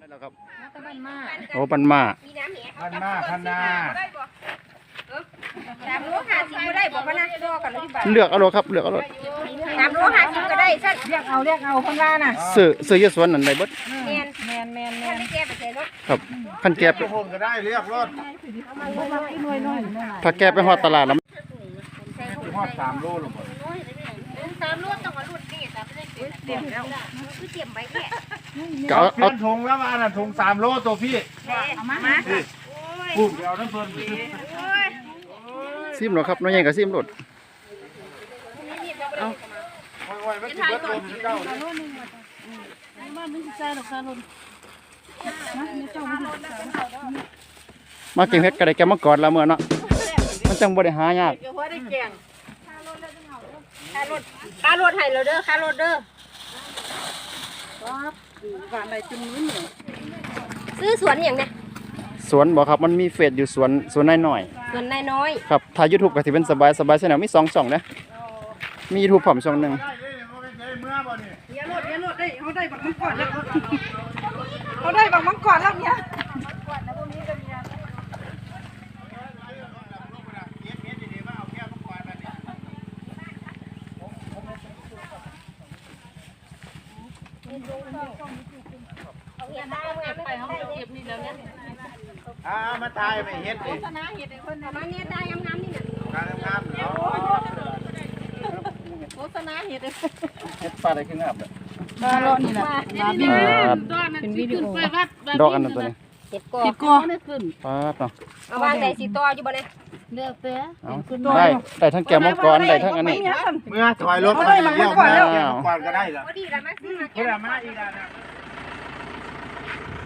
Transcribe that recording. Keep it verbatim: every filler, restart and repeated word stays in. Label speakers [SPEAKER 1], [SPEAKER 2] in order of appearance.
[SPEAKER 1] แล้วครับ
[SPEAKER 2] บ้านมา
[SPEAKER 1] โอ้ปันมา
[SPEAKER 3] พันมาพันนา
[SPEAKER 2] สามโลห้าสิบก็ได้บอกว่านะรอกันเลยที่บ้าน
[SPEAKER 1] เลือกเอาโลครับเลือกเอาโล
[SPEAKER 2] สามโลห้าสิบก็ได้สั้นเรียกเอาเรียกเอาคนว่าน่ะ
[SPEAKER 1] ซื้อซื้อยี่สวนนั่นได้เบิด
[SPEAKER 2] แมนแมนแมนแมนแกไปใส่รถ
[SPEAKER 1] ครับคันแก็บ
[SPEAKER 3] ทุกคนก็ได้เรียกรถ
[SPEAKER 1] ถ้าแก็บไปฮอดตลาดแล้ว
[SPEAKER 3] ทอดสามโลลงไป
[SPEAKER 2] สามโลต้องเอารุ่นนี่แต่ไม่ได้เตรียมแล้วคือเตรียมไว้แค่
[SPEAKER 1] ก็เอา
[SPEAKER 3] เพื่
[SPEAKER 1] เอา
[SPEAKER 3] อนถุงแล้วมาน่ะถุงสามโลตัวพี่
[SPEAKER 2] เอามามา
[SPEAKER 3] ปุ๊บเดี๋ยวน้ำเพิ่น
[SPEAKER 1] ซิมโลครับน้อยใหญ่ก็ซิมโลด
[SPEAKER 3] โอ้ยไม่กินเบิดลมเจ้า
[SPEAKER 1] มาเก็บเฮ็ดก็ได้แกมาก่อนละเมื่อเนาะมันจังบ่ได้หายาก
[SPEAKER 2] เดี๋ยวพอได้แกงค่ารถค่ารถให้เราเด้อค่ารถเด้อซื้อสวนอย่างเนี้ย
[SPEAKER 1] สวนบ่ครับมันมีเฟซอยู่สวนสวนน้อย
[SPEAKER 2] สวนนายน้อย
[SPEAKER 1] ๆครับถ้า YouTube ก็สิเป็นสบายสบายแชนแนลมีสองช่องนะมี YouTube พร้อมช่องหนึง
[SPEAKER 3] ได้เลยโมเป็นใจเมื่อบ่นี่
[SPEAKER 2] เดี๋ยวรถเดี๋ยวรถได้เขาได้บักมังกรแล้วเขาได้บักมังกรแล้วเนี่ย
[SPEAKER 3] อ่ามาตายไปเฮ็ดดิ
[SPEAKER 2] ชนะเห็ดไอ้คนน่ะมาเนี่ยได้งามๆนี่น่ะ
[SPEAKER 3] การทำงานเนาะ
[SPEAKER 2] โฆษณาเห็ดไอ้
[SPEAKER 1] เฮ็ดปลาได้คืองามเด้อ
[SPEAKER 2] ปลาโลนี่น่ะเป็นวิดีโอ
[SPEAKER 1] ดอกอันนั้นตัวนี้
[SPEAKER 2] เห็ดกอ
[SPEAKER 4] ติดกอ
[SPEAKER 1] ปาดเนาะ
[SPEAKER 2] เอาวางได้สีต่ออยู่บ่เนี่ย
[SPEAKER 4] เลือกเต้
[SPEAKER 1] เอาได้ได้ทั้งแก้วมังกรได้ทั้งอันนี้
[SPEAKER 3] เมื่อถอยรถมาเรียกมาก่อนก็ได้ละ
[SPEAKER 2] พอดีแล้วมาซื้อมา
[SPEAKER 3] เพื่อมาอีกแล้วนะ